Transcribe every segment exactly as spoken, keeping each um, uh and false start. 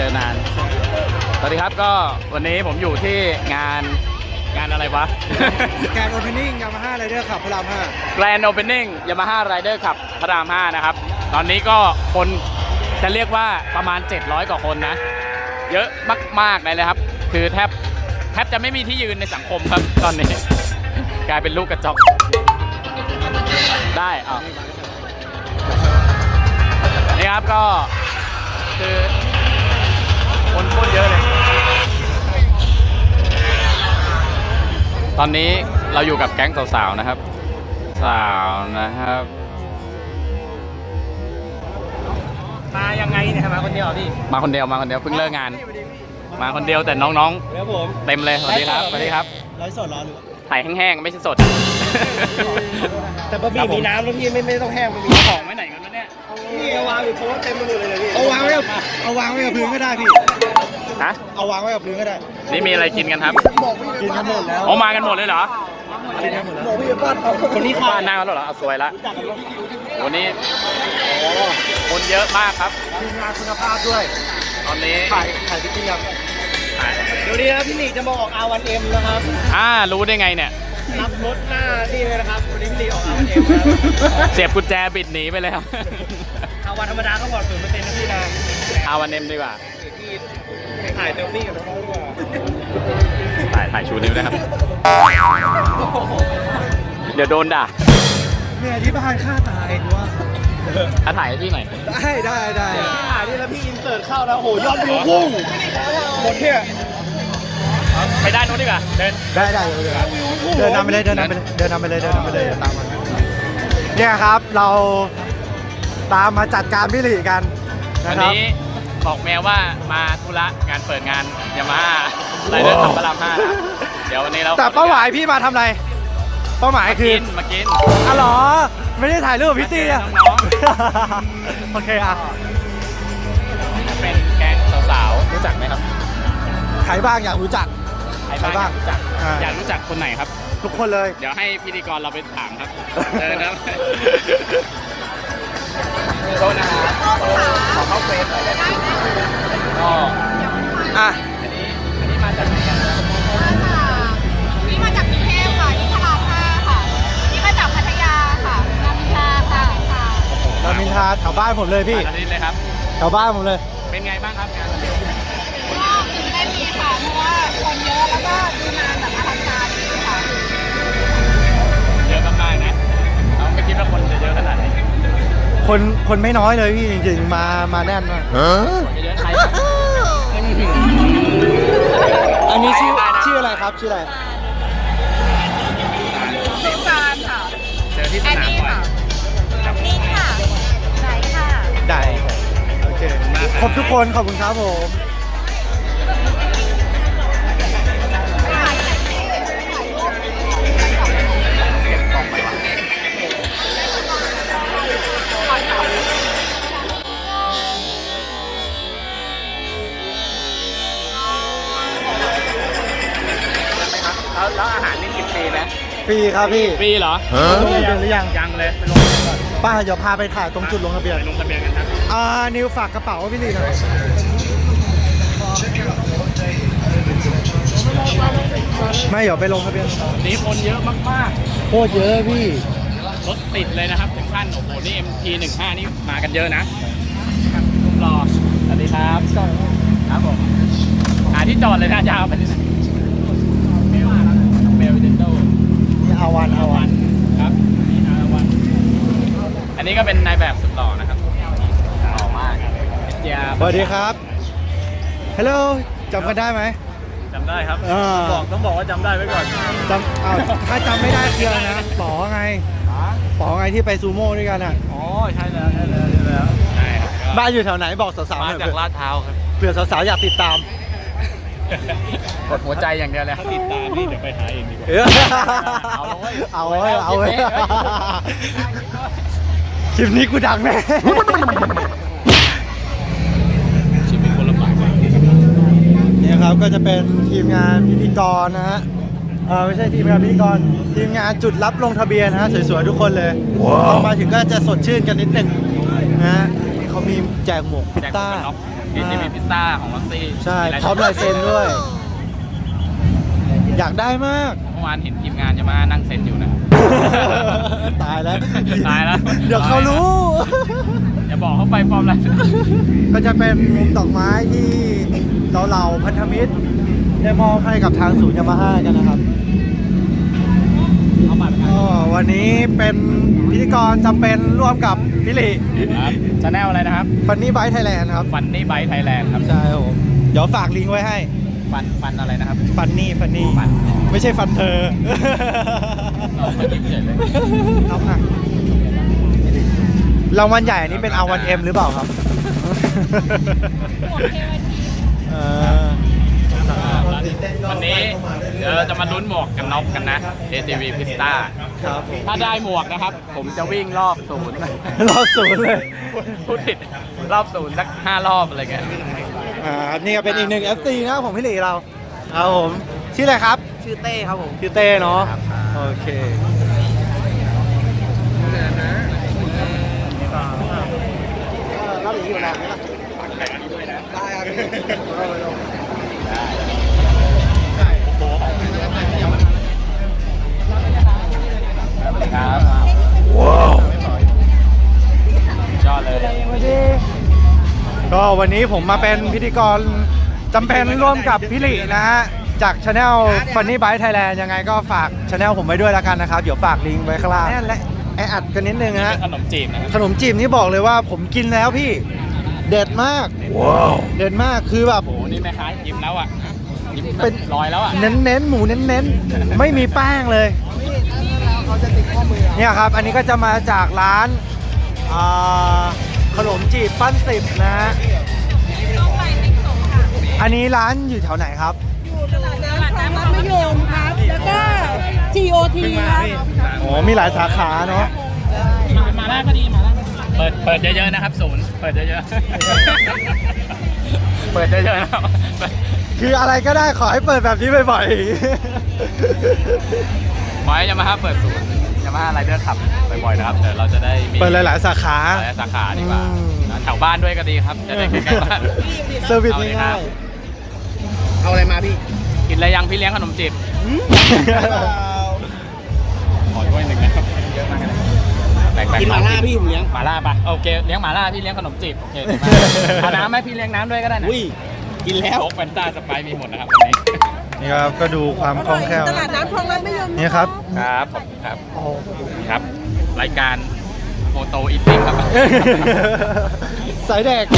อนานสวัสดีครับก็วันนี้ผมอยู่ที่งานงานอะไรวะการโอเพนนิ่งยามาฮ่าไรเดอร์ขับพระรามห้า Grand Opening Yamaha Rider ขับพระรามห้านะครับตอนนี้ก็คนจะเรียกว่าประมาณเจ็ดร้อยกว่าคนนะเยอะมากๆเลยนะครับคือแทบแทบจะไม่มีที่ยืนในสังคมครับตอนนี้ กลายเป็นลูกกระจอกได้อ่ะนี่ครับก็คือคนโคตรเยอะเลยตอนนี้เราอยู่กับแก๊งสาวๆนะครับสาวนะครับมายังไงเนี่ยมาคนเดียวพี่มาคนเดียวมาคนเดียวเพิ่งเลิกงานมาคนเดียวแต่น้องๆแล้วผมเต็มเลยสวัสดีครับสวัสดีครับไลฟ์สดรอหรือถ่ายแห้งๆไม่ใช่สดแต่บะหมี่มีน้ำแล้วพี่ไม่ไม่ต้องแห้งบะหมี่ของไว้ไหนกันวะเนี่ยนี่เอาวางอยู่โพสเต็มไปหมดเลยพี่เอาวางไว้เอาวางไว้กับพื้นก็ได้พี่ฮะเอาวางไว้กับพื้นก็ได้นี่มีอะไรกินกันครับกินกันหมดแล้วอ๋อมากันหมดเลยเหรอกินกันหมดแล้วบอกพี่ป้อนเขาคนนี้บ้านหน้าแล้วเหรอเอาสวยละวันนี้คนเยอะมากครับทีมงานคุณภาพด้วยตอนนี้ถ่ายถ่ายพี่ติ๊กยังเดี๋ยวนี้นะพี่หลีจะมาออก อาร์ วัน เอ็ม นะครับอ่ารู้ได้ไงเนี่ยรับรถหน้านี่เลยนะครับวันนี้พี่หลีออก อาร์ วัน เอ็ม แล้วเสียบกุญแจบิดหนีไปเลยครับอาวันธรรมดาต้องบอกศูนย์เปอร์เซ็นต์นะพี่นะอาวันเอ็มดีกว่าถ่ายเซลฟี่กับน้องๆดีกว่าถ่ายถ่ายชูนิ้วนะครับเดี๋ยวโดนด่าเนี่ยที่บ้านฆ่าตายดูว่าถ้าถ่ายให้พี่หน่อยได้ได้ได้ถ่ายนี่แล้วพี่อินเสิร์ตเข้าแล้วโหยอดวิวพุ่งหมดเนี่ยไปด้านโน้นดีกว่าเดินได้ได้เดินนำไปเลยเดินนำไปเลยเดินนำไปเลยเดินนำไปเลยตามมาเนี่ยครับเราตามมาจัดการพี่หลีกันวันนี้บอกแมวว่ามาธุระงานเปิดงานยามาฮ่าไรเดอร์ขับพระรามห้าเดี๋ยววันนี้เราแต่เป้าหมายพี่มาทำอะไรเป้าหมายคือมากินอ๋อเหรอไม่ได้ถ่ายรูปพี่ตีอ่ะโอเคอ่ะเป็นแก๊งสาวๆรู้จักไหมครับใครบ้างอยากรู้จักใครบ้างรู้จักอยากรู้จักคนไหนครับทุกคนเลยเดี๋ยวให้พิธีกรเราไปถามครับเออครับโทษนะครับขอเข้าเฟซหน่อยได้ไหมก็อ่ะอันนี้อันนี้มาจากไหนกันมาจากนี่มาจากกรุงเทพค่ะนี่พระรามห้าค่ะนี่มาจากพัทยาค่ะรามอินทราค่ะรามอินทราแถวบ้านผมเลยพี่อาทิตย์เลยครับแถวบ้านผมเลยเป็นไงบ้างครับงานวันนี้ก็ตื่นเต้นดีค่ะเพราะว่าคนเยอะแล้วก็ดูงานแบบอลังการดีค่ะเยอะมากๆนะเราไม่คิดว่าคนจะเยอะขนาดนี้คนคนไม่น้อยเลยพี่จริงๆมามาแน่นมากเยอะใครอันนี้ชื่อชื่ออะไรครับชื่ออะไรชื่อฟานค่ะเจอที่สนามบ่อยนี่ค่ะไหนค่ะได้โอเคครบทุกคนขอบคุณครับผมแล้วอาหารนี่กินฟรีไหมฟรีครับพี่ฟรีเหรอลงทะเบียนหรือยังยังเลยไปลงทะเบียนก่อนป้าเดี๋ยวพาไปถ่ายตรงจุดลงทะเบียนลงทะเบียนกันครับอ่านิวฝากกระเป๋าพี่ลีหน่อยไม่เดี๋ยวไปลงทะเบียนนี้คนเยอะมากๆโคตรเยอะพี่รถติดเลยนะครับถึงขั้นโอ้โหนี่ เอ็ม ที หนึ่งห้านี่มากันเยอะนะรอสวัสดีครับครับผมหาที่จอดเลยนะยาวไปเลยนะเบลวิเดนโต้นี่อาวันอาวันครับนี่อาวันอันนี้ก็เป็นนายแบบสุดหล่อนะครับหล่อมากสวัสดีครับฮัลโหลจำกันได้ไหมจำได้ครับบอกต้องบอกว่าจำได้ไว้ก่อนจำอ้าวถ้าจำไม่ได้คืออะไรนะป๋อไงป๋อไงที่ไปซูโม่ด้วยกันอ่ะอ๋อใช่แล้วใช่แล้วใช่แล้วบ้านอยู่แถวไหนบอกสาวๆมาจากลาดพร้าวครับเผื่อสาวๆอยากติดตามกดหัวใจอย่างเดียวเลยถ้าติดตามนี่เดี๋ยวไปหาเองดีกว่าเอาเลยเอาเลยเอาเลยคลิปนี้กูดังแน่ชีวิตคนลำบากนี่ครับก็จะเป็นทีมงานพิธีกรนะฮะเออไม่ใช่ทีมงานพิธีกรทีมงานจุดรับลงทะเบียนนะฮะสวยๆทุกคนเลยพอมาถึงก็จะสดชื่นกันนิดหนึ่งนะฮะเขามีแจกหมวกพิต้าเอ ที วี Pista ของลอสซี่ใช่พร้อมลายเซ็นด้วย อยากได้มากเมื่อวานเห็นทีมงานจะมานั่งเซ็นอยู่นะตายแล้วตายแล้วเดี๋ยวเขารู้อย่าบอกเขาไปปลอมลายเซ็นก็จะเป็นมุมดอกไม้ที่เราเหล่าพันธมิตรได้มอบให้กับทางศูนย์ยามาฮ่ากันนะครับเอาบัตรไปก็วันนี้เป็นพิธีกรจำเป็นร่วมกับพี่หลีครับชาแนลอะไรนะครับฟันนี่ไบท์ไทยแลนด์ครับฟันนี่ไบไทยแลนด์ครับใช่ครับผมเดี๋ยวฝากลิงก์ไว้ให้ฟันฟันอะไรนะครับฟันนี่ฟันนี่ฟันไม่ใช่ฟันเธอเอามายิ้มเฉยเลยเอาอ่ะรางวัลใหญ่อันนี้เป็น อาร์ วัน เอ็ม หรือเปล่าครับหมวกเทวทีเออวันนี้เดี๋ยวเราจะมาลุ้นหมวกกันน็อกกันนะ เอ ที วี Pista ครับผมถ้าได้หมวกนะครับ ผมจะวิ่งรอบศูนย์รอบศูนย์เลยพูดผิดรอบศูนย์สักห้ารอบอะไรเงี้ยอ่านี่ก็เป็นอีกหนึ่ง เอฟ ซี นะครับผมพี่หลีเราครับผมชื่ออะไรครับชื่อเต้ครับผมชื่อเต้เนาะโอเครับอีกอยู่นะได้ครับครับ ว้าวยอดเลยก็วันนี้ผมมาเป็นพิธีกรจำเป็นร่วมกับพี่หลีนะฮะจากช anel Funny Bike Thailand ยังไงก็ฝากช anel ผมไว้ด้วยแล้วกันนะครับ เดี๋ยวฝากลิงก์ไว้ข้างล่างแน่นและแออัดกันนิดนึงนะฮะขนมจีบนะครับขนมจีบนี่บอกเลยว่าผมกินแล้วพี่ เด็ดมากว้าวเด็ดมากคือแบบโอ้โหนี่แม่ค้ายิ้มแล้วอ่ะยิ้มเป็นลอยแล้วอ่ะเน้นเน้นๆหมูเน้นเน้นๆไม่มีแป้งเลยเนี่ยครับ อันนี้ก็จะมาจากร้านอ่าขนมจีบปั้นสิบนะฮะต้องไปเต็กโสค่ะอันนี้ร้านอยู่แถวไหนครับอยู่ตลาดน้ำคลองรัฐมะยมครับ แล้วก็ ที โอ ที ครับอ๋อมีหลายสาขาเนาะมาล่าก็ดีมาล่าเปิดเปิดเยอะๆนะครับศูนย์เปิดเยอะๆ เปิดเยอะๆนะครับคืออะไรก็ได้ขอให้เปิดแบบนี้บ่อยขอให้ยามาฮ่าเปิดศูนย์ยามาฮ่าไรเดอร์ขับบ่อยๆนะครับเดี๋ยวเราจะได้มีๆ เปิดหลายๆสาขาหลายสาขาดีกว่าอืมแถวบ้านด้วยก็ดีครับจะได้ใกล้ๆบ้านเซอร์วิสเอาเลยครัง่าบยเอาอะไรมาพี่กินอะไรยังพี่เลี้ยงขนมจีบๆขอด้วยหนึ่งนะครับเยอะมากเลยแบ่งๆกินหมาล่าพี่ผมเลี้ยงหมาล่าปะโอเคเลี้ยงหมาล่าพี่เลี้ยงขนมจีบโอเคดีมากเอาน้ำไหมพี่เลี้ยงน้ำด้วยก็ได้นะอุ้ย กินแล้วโค้กแฟนต้าสไปร์มีหมดนะครับวันนี้นี่ครับก็ดูความคล่องแคล่วตลาดน้ำคลองรัฐมะยมนี่ครับครับผมครับครับ รายการโมโตอิทติ้งครับสายแดก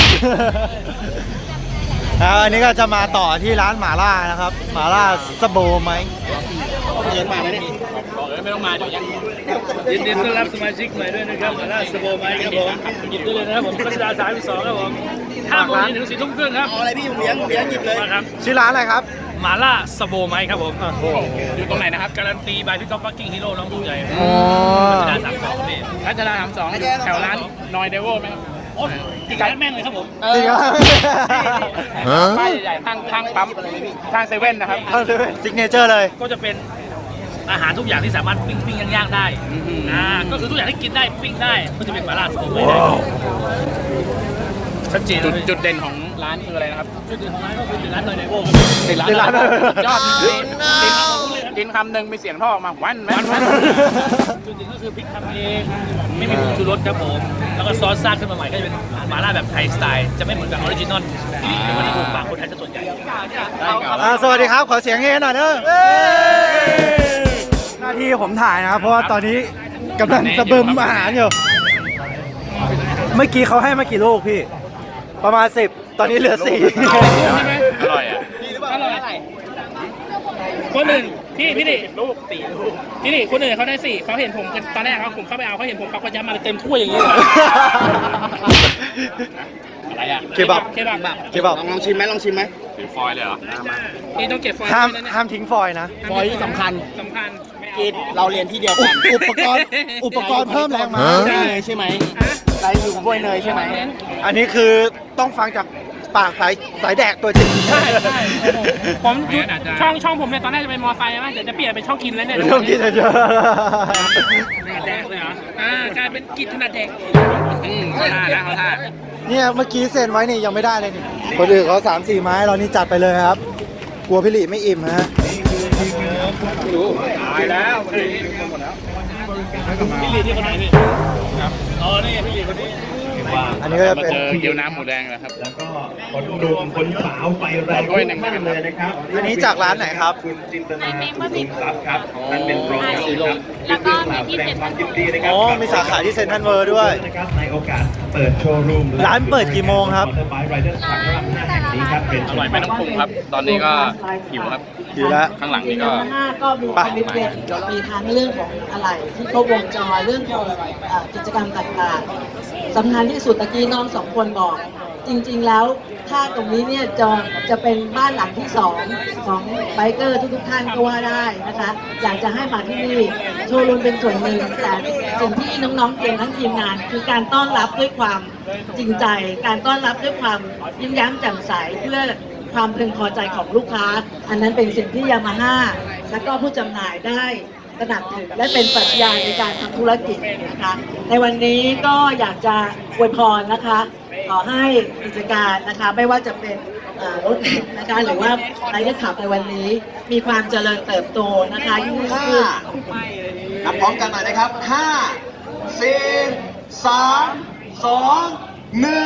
แล้วอันนี้ก็จะมาต่อที่ร้านหมาล่านะครับหมาล่าสโบไหมเลี้ยงมาแล้วเนี่ยบอกเลยไม่ต้องมาเดี๋ยวยังยินดีต้อนรับสมาชิกใหม่ด้วยนะครับมาล่าสโบไมค์ครับผมหยิบได้เลยนะครับผมรัชดาสามสองครับผมห้าโมงเย็นถึงสี่ทุ่มครึ่งครับเอาอะไรพี่ผมเลี้ยงผมเลี้ยงหยิบเลยมาครับชื่อร้านอะไรครับมาล่าสโบไมค์ครับผมอยู่ตรงไหนนะครับการันตีบายพี่ก๊อฟฟักกิ้งฮีโร่น้องผู้ใหญ่อ๋อรัชดาสามสองนี่รัชดาสามสองแถวร้านนอยเดวไหมครับโอ้ยอีกร้านแม่งเลยครับผมจริงเหรอป้ายใหญ่ๆข้างข้างปั๊มข้างเซเว่นนะครับซิกเนเจอร์เลยก็จะเป็นอาหารทุกอย่างที่สามารถปิ้งปิ้งย่างๆได้อ่าก็คือทุกอย่างที่กินได้ปิ้งได้ก็จะเป็นมาล่าสโบไมค์ได้ชัดเจนจุดเลยจุดเด่นของร้านคืออะไรนะครับจุดเด่นของร้านก็คือเป็นร้านนอยในโบติดร้านติดร้านยอดกินกินคำหนึ่งมีเสียงท่อออกมาวันแวันวันจุดเด่นก็คือพริกทำเองไม่มีผงชูรสครับผมแล้วก็ซอสซาดขึ้นมาใหม่ก็จะเป็นมาล่าแบบไทยสไตล์จะไม่เหมือนกับออริจินอลที่มันจะถูกปากคนไทยซะส่วนใหญ่อ่าสวัสดีครับ ขอเสียงเฮหน่อยเนอะหน้าที่ผมถ่ายนะครับ เพราะว่าตอนนี้กำลังสะบึมอาหารอยู่ เมื่อกี้เขาให้มากี่ลูกพี่ ประมาณสิบตอนนี้เหลือสี่อร่อยอ่ะอร่อยคนอื่นพี่พี่ดิลูกสี่ลูกพี่ดิคนอื่นเขาได้สี่เขาเห็นผมตอนแรกเขาผมเข้าไปเอาเขาเห็นผมเขาก็ยัดมาเต็มถ้วยอย่างนี้เลยอะไรอ่ะเคบับเคบับเคบับลองลองชิมไหมลองชิมไหมถือฟอยล์เลยเหรอนี่ต้องเก็บฟอยล์ห้ามไว้นะเนี่ยห้ามทิ้งฟอยล์นะฟอยล์ที่สำคัญสำคัญไม่เอากินเราเรียนที่เดียวกันอุปกรณ์อุปกรณ์เพิ่มแรงม้าเนยใช่ไหมไรอยู่กับบ้วยเนยใช่ไหมอันนี้คือต้องฟังจากปากสายสายแดกตัวจริงใช่ใช่ผมช่องช่องผมเนี่ยตอนแรกจะเป็นมอไซค์นะเดี๋ยวจะเปลี่ยนเป็นช่องกินแล้วเนี่ยต้องกินเยอะแดกเลยเหรออ่ากลายเป็นกินถนัดแดกอืมเขาท่านะเขาท่าเนี่ยเมื่อกี้เซ็นไว้นี่ยังไม่ได้เลยนี่คนอื่นเขาสามสี่ไม้เรานี่จัดไปเลยครับ กลัวพี่หลีไม่อิ่มฮะตายแล้วพี่ลีที่คนไหนพี่ครับอ๋อนี่พี่ลีคนนี้อันนี้ก็จะมาเป็นเจอเกี๊ยวน้ำหมูแดงแล้วครับแล้วก็คนหนุ่มคนสาวไฟแรงด้วยหนึ่งมากเลยนะครับอันนี้จากร้านไหนครับคุณจินตนาคุณทรัพย์ครับนั่นเป็นรองครับแล้วก็มีที่แสดเซ็งนคทรัวามลยินดีนะครับอ๋อมีสาขาที่เซ็นทรัลเวิลด์ด้วยนะครับในโอกาสเปิดโชว์รูมร้านเปิดกี่โมงครับมอเตอร์ไบค์ไรเดอร์สพระรามห้าแห่งนี้ครับเป็นอร่อยไม่ต้องปรุงครับ ตอนนี้ก็หิวครับอยู่แล้วข้างหลังนี่ก็ยามาฮ่าก็มีไปคอมมิชเมนต์มีทั้งเรื่องของอะไรที่ครบวงจรเรื่องของเอ่อกิจกรรมต่างๆสำคัญที่สุดตะกี้น้องสองคนบอก จริงๆแล้วถ้าตรงนี้เนี่ยจะจะเป็นบ้านหลังที่สองของไบเกอร์ทุกๆท่านก็ว่าได้นะคะอยากจะให้มาที่นี่โชว์รูมเป็นส่วนหนึ่งแต่สิ่งที่น้องๆเตรียมทั้งทีมงาน คือการต้อนรับด้วยความจริงใจ การต้อนรับด้วยความยิ้มแย้มแจ่มใสเพื่อความพึงพอใจของลูกค้า อันนั้นเป็นสิ่งที่ยามาฮ่าและก็ผู้จำหน่ายได้ตระหนักถึงและเป็นปรัชญาในการทำธุรกิจนะคะ ในวันนี้ก็อยากจะอวยพรนะคะ ขอให้กิจการนะคะไม่ว่าจะเป็นเอ่อรถเข็นนะคะหรือว่าไรเดอร์ขับในวันนี้ มีความเจริญเติบโตนะคะยิ่งขึ้นนับพร้อมกันหน่อยนะครับห้า สี่ สาม สอง หนึ่ง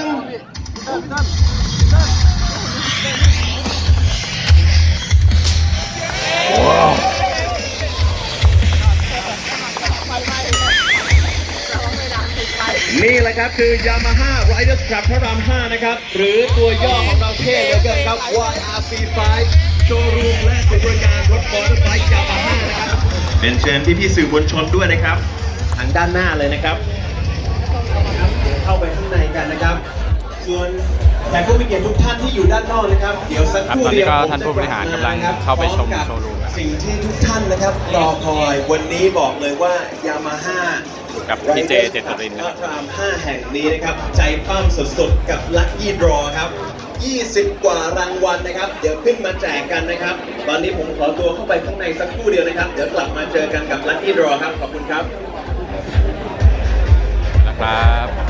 นี่แหละครับคือ Yamaha Riders Club พระรามห้านะครับ หรือตัวย่อของเราเท่เหลือเกินครับ วาย อาร์ ซี ไฟว์ โชว์รูมและศูนย์บริการรถมอเตอร์ไซค์ Yamaha นะครับเป็นเชิญพี่ๆสื่อมวลชนด้วยนะครับ ทางด้านหน้าเลยนะครับ เข้าไปข้างในกันนะครับ ส่วนแขกผู้มีเกียรติทุกท่านที่อยู่ด้านนอกนะครับ เดี๋ยวสักครู่ครับตอนนี้เดียวก็ผมท่านผู้บริหารกำลังจะบเข้าไปชมพร้อกับโชว์รูมนะครับสิ่งที่ทุกท่านนะครับรอคอยวันนี้บอกเลยว่า Yamaha กับพี่เจเจตรินนะครับพระรามห้าแห่งนี้นะครับ ใจปั้มสุดๆ กับ Lucky Draw ครับ ยี่สิบ กว่ารางวัลนะครับ เดี๋ยวขึ้นมาแจกกันนะครับ ตอนนี้ผมขอตัวเข้าไปข้างในสักครู่เดียวนะครับ เดี๋ยวกลับมาเจอกันกับ Lucky Draw ครับ ขอบคุณครับนะครับ